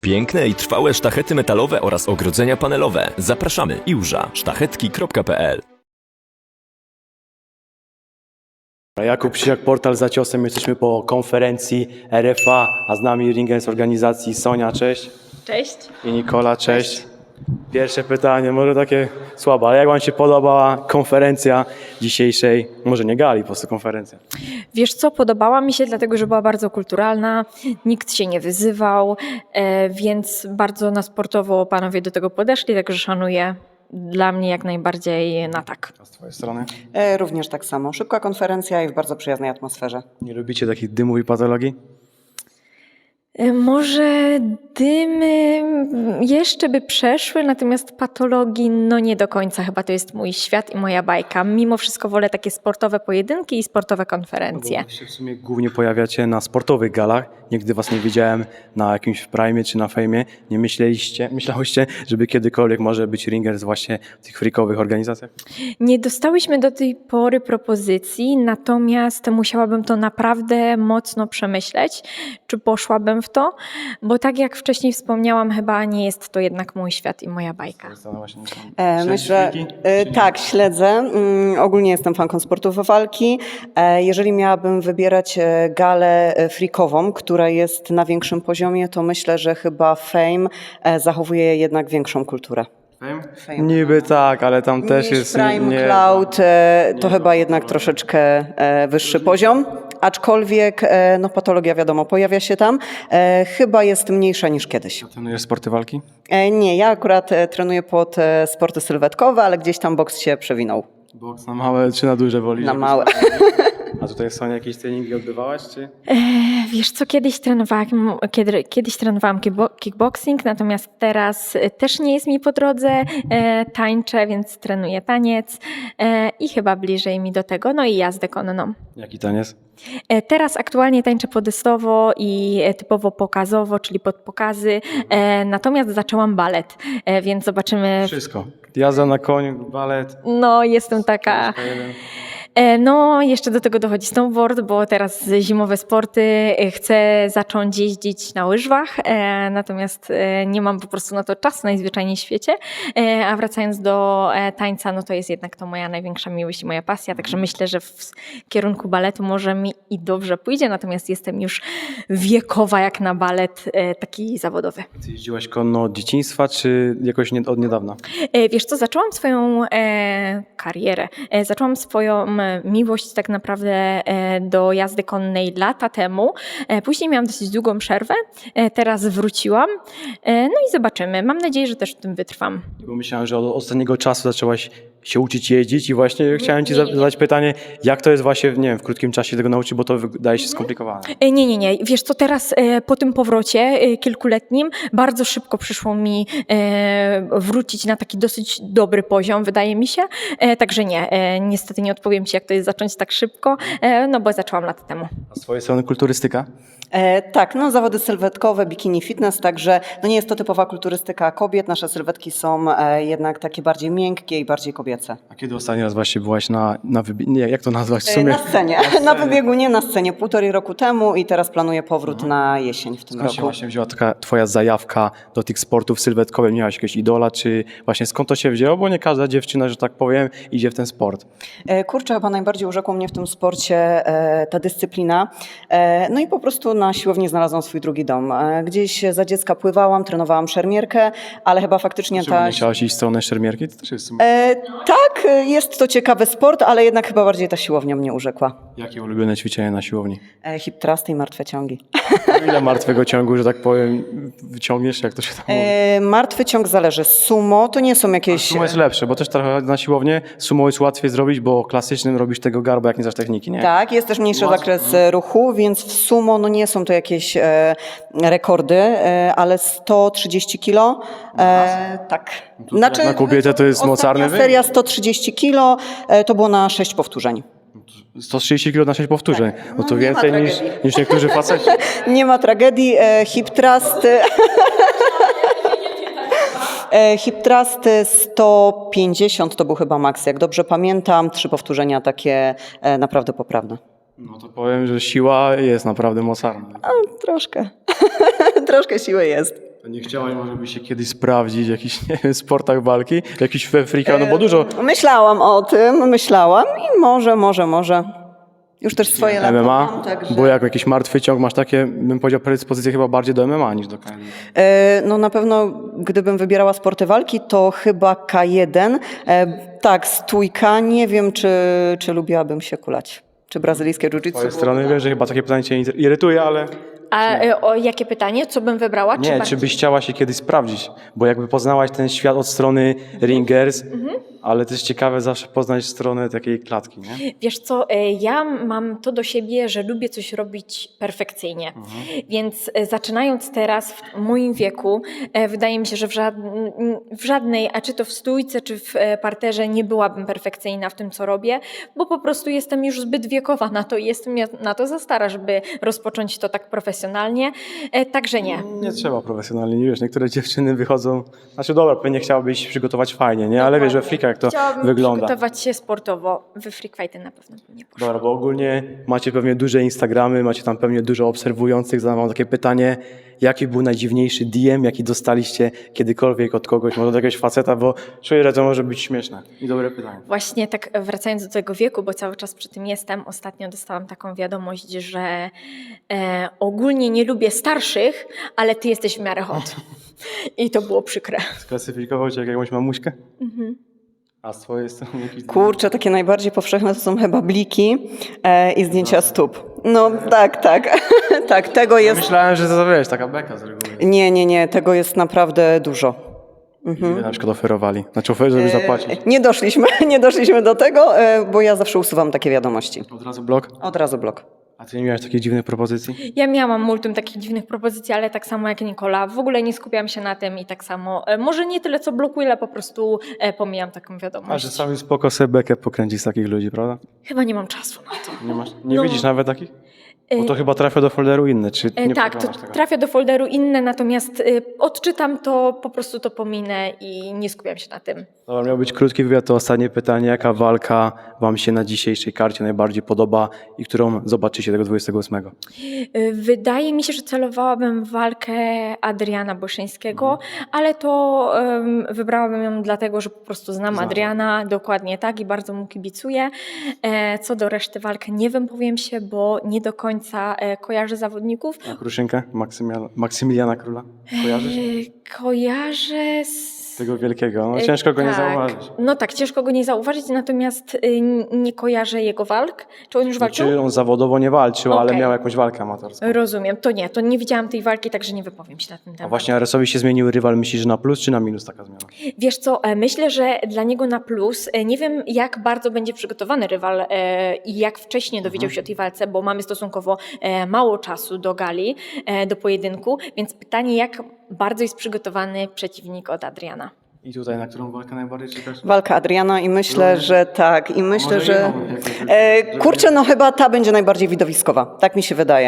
Piękne i trwałe sztachety metalowe oraz ogrodzenia panelowe. Zapraszamy. Iłża. Sztachetki.pl. Jakub Siak, portal Za Ciosem. Jesteśmy po konferencji RFA, a z nami ringers z organizacji Sonia, cześć. Cześć. I Nikola, cześć. Pierwsze pytanie, może takie słabe, ale jak wam się podobała konferencja dzisiejszej, może nie gali, po prostu konferencja? Wiesz co, podobała mi się, dlatego że była bardzo kulturalna, nikt się nie wyzywał, więc bardzo na sportowo panowie do tego podeszli, także szanuję. Dla mnie jak najbardziej na tak. A z twojej strony? Również tak samo. Szybka konferencja i w bardzo przyjaznej atmosferze. Nie lubicie takich dymów i patologii? Może dymy jeszcze by przeszły, natomiast patologii no nie do końca. Chyba to jest mój świat i moja bajka. Mimo wszystko wolę takie sportowe pojedynki i sportowe konferencje. Bo się w sumie głównie pojawiacie na sportowych galach. Nigdy was nie widziałem na jakimś prime czy na fejmie. Nie myślałyście, żeby kiedykolwiek może być ringers właśnie w tych freakowych organizacjach? Nie dostałyśmy do tej pory propozycji, natomiast musiałabym to naprawdę mocno przemyśleć, czy poszłabym w to, bo tak jak wcześniej wspomniałam, chyba nie jest to jednak mój świat i moja bajka. Myślę, tak, śledzę. Ogólnie jestem fanką sportów walki. Jeżeli miałabym wybierać galę freakową, która jest na większym poziomie, to myślę, że chyba Fame zachowuje jednak większą kulturę. Fame. Niby tak, ale tam też Niż jest... Prime Cloud to chyba jednak troszeczkę wyższy poziom, aczkolwiek no, patologia wiadomo pojawia się tam, chyba jest mniejsza niż kiedyś. Trenujesz sporty walki? Nie, ja akurat trenuję pod sporty sylwetkowe, ale gdzieś tam boks się przewinął. Boks na małe czy na duże woli? Na małe. A tutaj Sonia jakieś treningi odbywałaś, czy? Wiesz co, kiedyś trenowałam kickboxing, natomiast teraz też nie jest mi po drodze, tańczę, więc trenuję taniec i chyba bliżej mi do tego, no i jazdę konną. Jaki taniec? Teraz aktualnie tańczę podystowo i typowo pokazowo, czyli pod pokazy, natomiast zaczęłam balet, więc zobaczymy. Wszystko. Jazda na koniu, balet. No, jestem taka. No, jeszcze do tego dochodzi snowboard, bo teraz zimowe sporty chcę zacząć jeździć na łyżwach, natomiast nie mam po prostu na to czasu najzwyczajniej w świecie, a wracając do tańca, no to jest jednak to moja największa miłość i moja pasja, także myślę, że w kierunku baletu może mi i dobrze pójdzie, natomiast jestem już wiekowa jak na balet taki zawodowy. Ty jeździłaś konno od dzieciństwa, czy jakoś od niedawna? Wiesz co, zaczęłam swoją karierę, zaczęłam swoją miłość tak naprawdę do jazdy konnej lata temu. Później miałam dosyć długą przerwę, teraz wróciłam, no i zobaczymy. Mam nadzieję, że też w tym wytrwam. Bo myślałem, że od ostatniego czasu zaczęłaś się uczyć jeździć i właśnie chciałem ci zadać pytanie, jak to jest właśnie, nie wiem, w krótkim czasie tego nauczyć, bo to wydaje się skomplikowane. Nie. Wiesz co, teraz po tym powrocie kilkuletnim bardzo szybko przyszło mi wrócić na taki dosyć dobry poziom, wydaje mi się. Także nie, niestety nie odpowiem ci, jak to jest zacząć tak szybko, no bo zaczęłam lata temu. A z twojej strony kulturystyka? Tak, no zawody sylwetkowe, bikini fitness, także no nie jest to typowa kulturystyka kobiet, nasze sylwetki są jednak takie bardziej miękkie i bardziej kobiece. A kiedy ostatni raz właśnie byłaś nie, jak to nazwać w sumie? Na scenie, na pobiegunie, na scenie 1,5 roku temu i teraz planuję powrót na jesień w tym Skąd się roku. właśnie wzięła taka twoja zajawka do tych sportów sylwetkowych? Miałaś jakiegoś idola, czy właśnie skąd to się wzięło? Bo nie każda dziewczyna, że tak powiem, idzie w ten sport. Kurczę, chyba najbardziej urzekło mnie w tym sporcie ta dyscyplina. No i po prostu na siłowni znalazłam swój drugi dom. Gdzieś za dziecka pływałam, trenowałam szermierkę, ale chyba faktycznie Czemu nie chciałaś iść w stronę szermierki? To też jest w sumie... Tak, jest to ciekawy sport, ale jednak chyba bardziej ta siłownia mnie urzekła. Jakie ulubione ćwiczenia na siłowni? Hip thrusty i martwe ciągi. Ile martwego ciągu, że tak powiem, wyciągniesz, jak to się tam mówi? Martwy ciąg zależy. Sumo to nie są jakieś... Sumo jest lepsze, bo też trochę na siłownię sumo jest łatwiej zrobić, bo klasycznym robisz tego garba, jak nie znasz techniki, nie? Tak, jest też mniejszy zakres ruchu, więc w sumo no nie są to jakieś rekordy, ale 130 kilo. Tak. Na kobietę to jest mocarny ostatnia seria 130 kilo, to było na 6 powtórzeń. 130 kg na 6 powtórzeń. No to No, nie ma więcej niż niektórzy faceci. Nie ma tragedii. Hip thrust... Hip thrust 150 to był chyba maks, jak dobrze pamiętam. 3 powtórzenia takie naprawdę poprawne. No to powiem, że siła jest naprawdę mocarna. Troszkę. Troszkę siły jest. To nie chciałaś może by się kiedyś sprawdzić w jakichś, nie wiem, sportach walki? Jakiś freaka, no bo dużo Myślałam o tym, i może. Już też swoje lata MMA, mam, także... bo jak jakiś martwy ciąg masz takie, bym powiedział, predyspozycje chyba bardziej do MMA niż do KSW. No na pewno, gdybym wybierała sporty walki, to chyba K1. Tak, stójka. Nie wiem, czy lubiłabym się kulać. Czy brazylijskie Z twojej jiu-jitsu. strony wiem, że chyba takie pytanie cię irytuje, ale A o jakie pytanie? Co bym wybrała? nie, czy byś chciała się kiedyś sprawdzić? Bo jakby poznałaś ten świat od strony ringers, ale też ciekawe zawsze poznać stronę takiej klatki, nie? Wiesz co, ja mam to do siebie, że lubię coś robić perfekcyjnie. Więc zaczynając teraz w moim wieku, wydaje mi się, że w żadnej, a czy to w stójce, czy w parterze nie byłabym perfekcyjna w tym, co robię, bo po prostu jestem już zbyt wiekowa na to i jestem na to za stara, żeby rozpocząć to tak profesjonalnie. Także nie. Nie trzeba profesjonalnie, nie wiesz, niektóre dziewczyny wychodzą, znaczy dobra, pewnie chciałabyś się przygotować fajnie, nie? Ale wiesz, we frika jak to Chciałabym wygląda. przygotować się sportowo. We freak fighty na pewno bym nie poszła. Dobra, bo ogólnie macie pewnie duże Instagramy, macie tam pewnie dużo obserwujących. Zadam wam takie pytanie, jaki był najdziwniejszy DM, jaki dostaliście kiedykolwiek od kogoś, może od jakiegoś faceta, bo czuję, że to może być śmieszne. I dobre pytanie. Właśnie tak wracając do tego wieku, bo cały czas przy tym jestem, ostatnio dostałam taką wiadomość, że ogólnie nie lubię starszych, ale ty jesteś w miarę hot. I to było przykre. Sklasyfikował cię jak jakąś mamuśkę? A z twojej strony jakiś... Kurczę, takie najbardziej powszechne to są chyba bliki i zdjęcia stóp. No tak. Tak, tego jest... Myślałem, że to wiesz, taka beka z reguły. Nie, tego jest naprawdę dużo. Ile na przykład oferowali? Znaczy oferzy, żeby zapłacić. Nie doszliśmy do tego, bo ja zawsze usuwam takie wiadomości. Od razu blok? Od razu blok. A ty nie miałeś takich dziwnych propozycji? Ja miałam multum takich dziwnych propozycji, ale tak samo jak Nikola, w ogóle nie skupiam się na tym i tak samo, może nie tyle co blokuję, ale po prostu pomijam taką A wiadomość. że sami spoko sobie bekę pokręcić z takich ludzi, prawda? Chyba nie mam czasu na to. Nie masz? Nie No. widzisz nawet takich? Bo to chyba trafia do folderu inne, czy nie Tak, to przeglądasz tego? trafia do folderu inne, natomiast odczytam to, po prostu to pominę i nie skupiam się na tym. Dobra, miał być krótki wywiad, to ostatnie pytanie. Jaka walka wam się na dzisiejszej karcie najbardziej podoba i którą zobaczycie tego 28? Wydaje mi się, że celowałabym w walkę Adriana Błyszyńskiego, ale to wybrałabym ją dlatego, że po prostu znam Adriana, dokładnie tak i bardzo mu kibicuję. Co do reszty walk nie wypowiem się, bo nie do końca kojarzę zawodników. A Kruszynkę? Maksymiliana Króla? Kojarzysz? Kojarzę z... Tego wielkiego. No, ciężko go nie tak. zauważyć. No tak, ciężko go nie zauważyć, natomiast nie kojarzę jego walk. Czy on już walczył? Znaczy on zawodowo nie walczył, ale Okej. miał jakąś walkę amatorską. Rozumiem, to nie widziałam tej walki, także nie wypowiem się na ten A temat. właśnie Aresowi się zmienił rywal, myślisz, że na plus czy na minus taka zmiana? Wiesz co, myślę, że dla niego na plus, nie wiem jak bardzo będzie przygotowany rywal i jak wcześnie dowiedział się o tej walce, bo mamy stosunkowo mało czasu do gali, do pojedynku, więc pytanie jak bardzo jest przygotowany przeciwnik od Adriana. I tutaj na którą walkę najbardziej czekasz? Walka Adriana i myślę, że tak. I myślę, może że... jedną jakąś, Kurczę, no chyba ta będzie najbardziej widowiskowa. Tak mi się wydaje.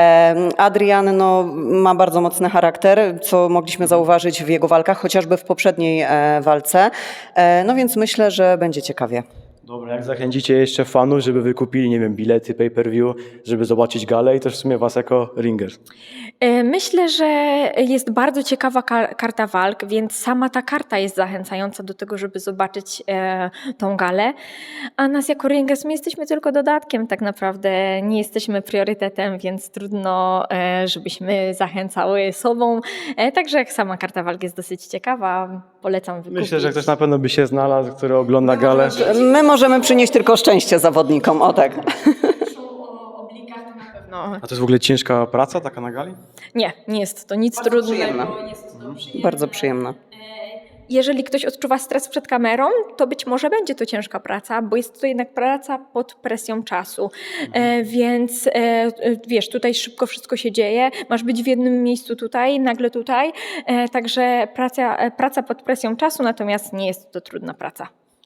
Adrian no, ma bardzo mocny charakter, co mogliśmy zauważyć w jego walkach, chociażby w poprzedniej walce. No więc myślę, że będzie ciekawie. Dobra, jak zachęcicie jeszcze fanów, żeby wykupili, nie wiem, bilety, pay-per-view, żeby zobaczyć galę i też w sumie was jako ringers. Myślę, że jest bardzo ciekawa karta walk, więc sama ta karta jest zachęcająca do tego, żeby zobaczyć tą galę. A nas jako ringers, my jesteśmy tylko dodatkiem tak naprawdę, nie jesteśmy priorytetem, więc trudno, żebyśmy zachęcały sobą. Także jak sama karta walk jest dosyć ciekawa, polecam wykupić. Myślę, że ktoś na pewno by się znalazł, który ogląda galę. My możemy przynieść tylko szczęście zawodnikom, o tak. No, A to jest w ogóle ciężka praca taka na gali? nie jest to nic trudnego. przyjemna. Jest to przyjemne. Bardzo przyjemna. Jeżeli ktoś odczuwa stres przed kamerą, to być może będzie to ciężka praca, bo jest to jednak praca pod presją czasu. Więc wiesz, tutaj szybko wszystko się dzieje, masz być w jednym miejscu tutaj, nagle tutaj. Także praca pod presją czasu, natomiast nie jest to trudna praca.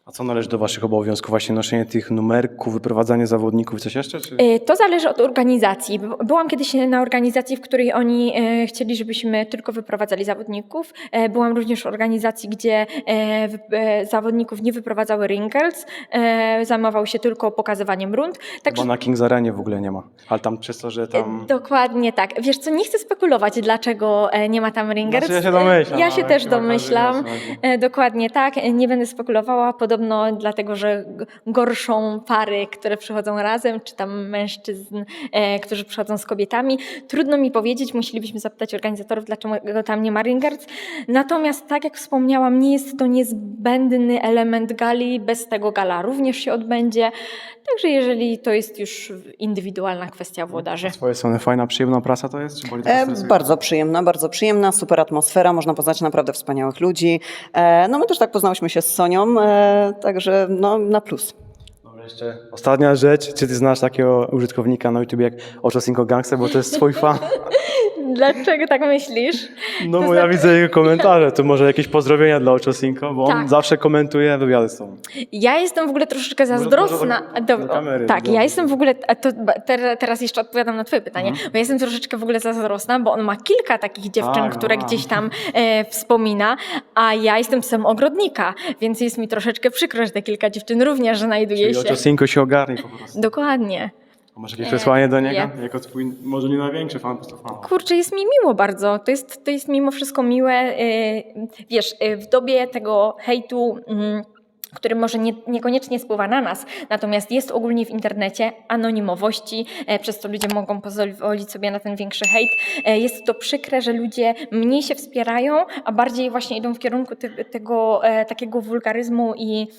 A co należy do waszych obowiązków? Właśnie noszenie tych numerków, wyprowadzanie zawodników, coś jeszcze? Czy... To zależy od organizacji. Byłam kiedyś na organizacji, w której oni chcieli, żebyśmy tylko wyprowadzali zawodników. Byłam również w organizacji, gdzie zawodników nie wyprowadzały ring girls. Zajmował się tylko pokazywaniem rund. Bo na Kings Arenie w ogóle nie ma. Ale tam przez to, że tam... Dokładnie tak. Wiesz co, nie chcę spekulować, dlaczego nie ma tam ring girls. Znaczy, ja się domyślam. Ja się ale też chyba domyślam. każdy wie, o co Dokładnie tak. Nie będę spekulowała. Podobno dlatego, że gorszą pary, które przychodzą razem, czy tam mężczyzn, którzy przychodzą z kobietami. Trudno mi powiedzieć, musielibyśmy zapytać organizatorów, dlaczego tam nie ma ring girls. Natomiast tak jak wspomniałam, nie jest to niezbędny element gali. Bez tego gala również się odbędzie. Także jeżeli to jest już indywidualna kwestia włodarzy. Z twojej strony fajna, przyjemna prasa to jest? Czy boli to stresuje? Bardzo przyjemna, super atmosfera, można poznać naprawdę wspaniałych ludzi. No my też tak poznałyśmy się z Sonią, także no, na plus. Dobra, jeszcze ostatnia rzecz. Czy ty znasz takiego użytkownika na YouTube jak Ochocinco Gangster, bo to jest twój fan? Dlaczego tak myślisz? No To bo ja znaczy- widzę jego komentarze, to może jakieś pozdrowienia dla Ochocinco, bo on Tak. zawsze komentuje wywiady z tobą. Ja jestem w ogóle troszeczkę zazdrosna. do kamery, Tak, dobrze. ja jestem w ogóle, teraz jeszcze odpowiadam na twoje pytanie, bo ja jestem troszeczkę w ogóle zazdrosna, bo on ma kilka takich dziewczyn, Tak, które no. gdzieś tam wspomina, a ja jestem psem ogrodnika, więc jest mi troszeczkę przykro, że te kilka dziewczyn również znajduje Czyli się. Ochocinco się ogarnie po prostu. Dokładnie. A masz jakieś przesłanie do niego? Nie. Jako twój, może nie największy fan, po prostu fan. Kurczę, jest mi miło bardzo. To jest mimo wszystko miłe. Wiesz, w dobie tego hejtu, który może niekoniecznie spływa na nas, natomiast jest ogólnie w internecie, anonimowości, przez co ludzie mogą pozwolić sobie na ten większy hejt. Jest to przykre, że ludzie mniej się wspierają, a bardziej właśnie idą w kierunku tego takiego wulgaryzmu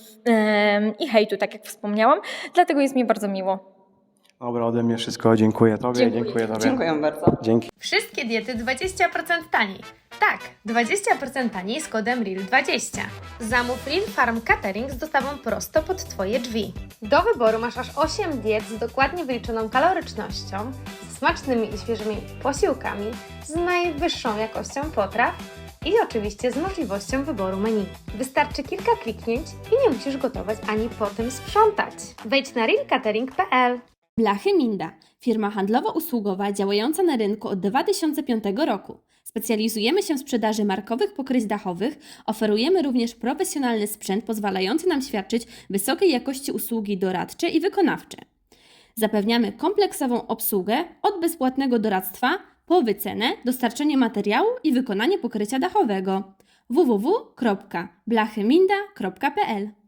i hejtu, tak jak wspomniałam. Dlatego jest mi bardzo miło. Dobra, ode mnie wszystko. Dziękuję tobie, dziękuję tobie. Dziękuję bardzo. Dzięki. Wszystkie diety 20% taniej. Tak, 20% taniej z kodem REAL20. Zamów Real Farm Catering z dostawą prosto pod Twoje drzwi. Do wyboru masz aż 8 diet z dokładnie wyliczoną kalorycznością, z smacznymi i świeżymi posiłkami, z najwyższą jakością potraw i oczywiście z możliwością wyboru menu. Wystarczy kilka kliknięć i nie musisz gotować ani potem sprzątać. Wejdź na realcatering.pl. Blachy Minda, firma handlowo-usługowa działająca na rynku od 2005 roku. Specjalizujemy się w sprzedaży markowych pokryć dachowych, oferujemy również profesjonalny sprzęt pozwalający nam świadczyć wysokiej jakości usługi doradcze i wykonawcze. Zapewniamy kompleksową obsługę od bezpłatnego doradztwa po wycenę, dostarczenie materiału i wykonanie pokrycia dachowego. www.blachyminda.pl